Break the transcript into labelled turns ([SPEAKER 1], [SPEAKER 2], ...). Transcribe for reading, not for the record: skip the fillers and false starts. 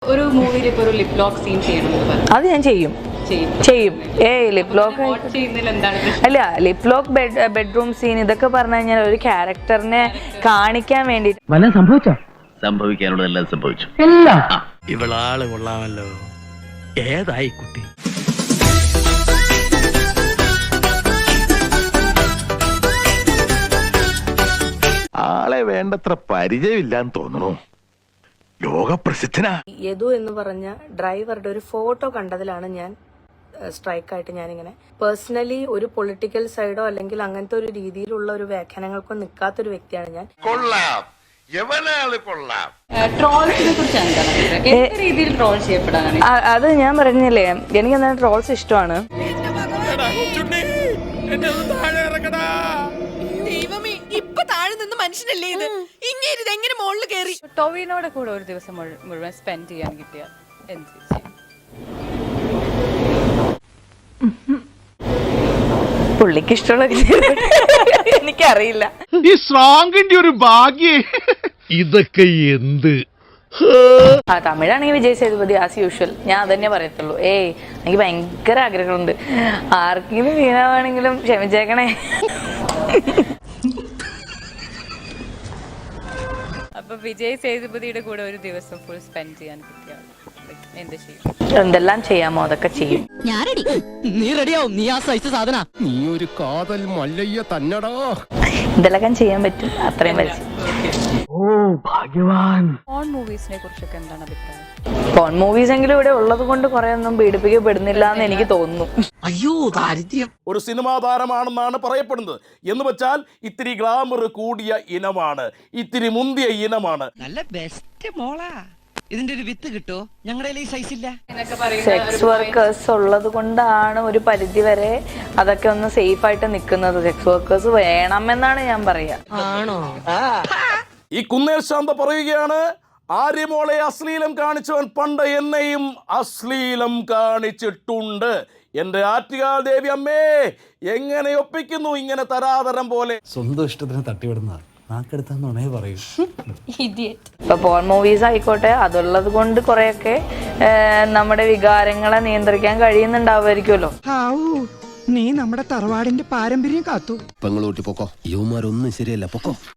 [SPEAKER 1] ഒരു മൂവിയിൽ ഇപ്പോൾ ഒരു ലിപ് ലോക്ക് സീൻ ചെയ്യണമെന്ന്
[SPEAKER 2] അത് ഞാൻ ചെയ്യും. ലിപ് ലോക്ക് അല്ല, ലിപ് ലോക്ക് ബെഡ്റൂം സീൻ ഇതൊക്കെ പറഞ്ഞു കഴിഞ്ഞാൽ ഒരു ക്യാരക്ടറിനെ കാണിക്കാൻ വേണ്ടിട്ട്.
[SPEAKER 3] സംഭവിക്കാനുള്ളതെല്ലാം സംഭവിച്ചു.
[SPEAKER 4] ഇവളാള് കൊള്ളാമല്ലോ. ഏതായി കുട്ടി?
[SPEAKER 3] ആളെ വേണ്ടത്ര പരിചയമില്ലാന്ന് തോന്നുന്നു. ലോകപ്രസിദ്ധനാ.
[SPEAKER 2] യദു എന്ന് പറഞ്ഞ ഡ്രൈവറുടെ ഒരു ഫോട്ടോ കണ്ടതിലാണ് ഞാൻ സ്ട്രൈക്കായിട്ട് ഞാനിങ്ങനെ പേഴ്സണലി ഒരു പൊളിറ്റിക്കൽ സൈഡോ അല്ലെങ്കിൽ അങ്ങനത്തെ ഒരു രീതിയിലുള്ള ഒരു വ്യാഖ്യാനങ്ങൾക്കോ നിൽക്കാത്തൊരു വ്യക്തിയാണ് ഞാൻ.
[SPEAKER 3] കൊള്ളാം, കൊള്ളാം.
[SPEAKER 1] ട്രോൾസിനെ കുറിച്ചാണ് എന്ത് രീതിയിൽ ട്രോൾ ചെയ്യപ്പെടാനാണ്?
[SPEAKER 2] അത് ഞാൻ പറഞ്ഞില്ലേ, എനിക്ക് എന്താ ട്രോൾസ് ഇഷ്ടമാണ്.
[SPEAKER 5] മനുഷ്യനല്ലേ ഇത്? ഇങ്ങനെ എങ്ങനെ മുകളിൽ കയറി?
[SPEAKER 1] ടോവിനോടെ കൂടെ ഒരു ദിവസം മുഴുവൻ സ്പെൻഡ് ചെയ്യാൻ കിട്ടിയ എന്ത് ചെയ്യും?
[SPEAKER 2] പുള്ളിക്ക് ഇഷ്ടമുള്ള എനിക്കറിയില്ല.
[SPEAKER 6] ഈ സ്ട്രോങ്ങിന്റെ ഒരു ഭാഗ്യേ. ഇതൊക്കെ എന്ത്?
[SPEAKER 2] തമിഴാണെങ്കിൽ വിജയ് സേതുപതി ആസ് യൂഷ്വൽ. ഞാൻ അതന്നെ പറയത്തുള്ളൂ. എനിക്ക് ഭയങ്കര ആഗ്രഹമുണ്ട്. ആർക്കെങ്കിലും വീണാവാണെങ്കിലും ക്ഷമിച്ചേക്കണേ.
[SPEAKER 1] അപ്പൊ വിജയ് സേതുപതിയുടെ കൂടെ ഒരു ദിവസം ഫുൾ സ്പെൻഡ് ചെയ്യാൻ കിട്ടിയ എന്ത് ചെയ്യും?
[SPEAKER 2] എന്തെല്ലാം ചെയ്യാമോ അതൊക്കെ ചെയ്യും.
[SPEAKER 4] നീ റെഡിയാവും. നീ ആ സൈസ് സാധന. നീ ഒരു കാതൽ മല്ലയ്യ തന്നടാ.
[SPEAKER 2] എന്തെല്ലാം ചെയ്യാൻ പറ്റും അത്രയും പറ്റും.
[SPEAKER 4] ഓ ഭാഗ്യവാൻ.
[SPEAKER 1] പോൺ മൂവീസിനെ കുറിച്ചൊക്കെ എന്താണ് അഭിപ്രായം?
[SPEAKER 2] പോൺ മൂവീസ് എങ്കിലും ഇവിടെ ഉള്ളത് കൊണ്ട് കുറെ ഒന്നും പീഡിപ്പിക്കപ്പെടുന്നില്ല എന്ന് എനിക്ക് തോന്നുന്നു.
[SPEAKER 4] അയ്യോ ദാരിദ്ര്യം.
[SPEAKER 6] ഒരു സിനിമാ താരമാണെന്നാണ് പറയപ്പെടുന്നത്. എന്ന് വെച്ചാൽ ഇത്തിരി ഗ്ലാമർ കൂടിയ ഇനമാണ്, ഇത്തിരി മുന്തിയ ഇനമാണ്.
[SPEAKER 7] നല്ല ബെസ്റ്റ് മോളാ. ഇതിന്റെ ഒരു വിത്ത് കിട്ടോ? ഞങ്ങളുടെ ഈ സൈസ് ഇല്ല.
[SPEAKER 2] സെക്സ് വർക്കേഴ്സ് ഉള്ളത് കൊണ്ടാണ് ഒരു പരിധി വരെ അതൊക്കെ ഒന്ന് സേഫ് ആയിട്ട് നിൽക്കുന്നത്. സെക്സ് വർക്കേഴ്സ് വേണമെന്നാണ് ഞാൻ പറയാ.
[SPEAKER 7] ആണോ?
[SPEAKER 6] ഈ കുന്നേൽ ശാന്ത പറയുകയാണ്, ആര്യമോളെ അശ്ലീലം കാണിച്ചവൻ പണ്ട് എന്നെയും അശ്ലീലം കാണിച്ചിട്ടുണ്ട്. എന്റെ ആറ്റുകാൽ ദേവി അമ്മേ, എങ്ങനെ ഒപ്പിക്കുന്നു ഇങ്ങനെ തരാതരം പോലെ?
[SPEAKER 8] സ്വന്തം ഇഷ്ടത്തിന് തട്ടിവിടുന്ന നാക്കെടുത്താന്നുണേ പറയൂ.
[SPEAKER 2] ഇപ്പൊ പോൺ മൂവീസ് ആയിക്കോട്ടെ, അതുള്ളത് കൊണ്ട് കുറെയൊക്കെ നമ്മുടെ വികാരങ്ങളെ നിയന്ത്രിക്കാൻ കഴിയുന്നുണ്ടാവുമായിരിക്കുമല്ലോ.
[SPEAKER 7] നീ നമ്മുടെ തറവാടിന്റെ പാരമ്പര്യം കാത്തു.
[SPEAKER 4] പെങ്ങളൂട്ടി പൊക്കോ. യുവമാരൊന്നും ശരിയല്ല, പൊക്കോ.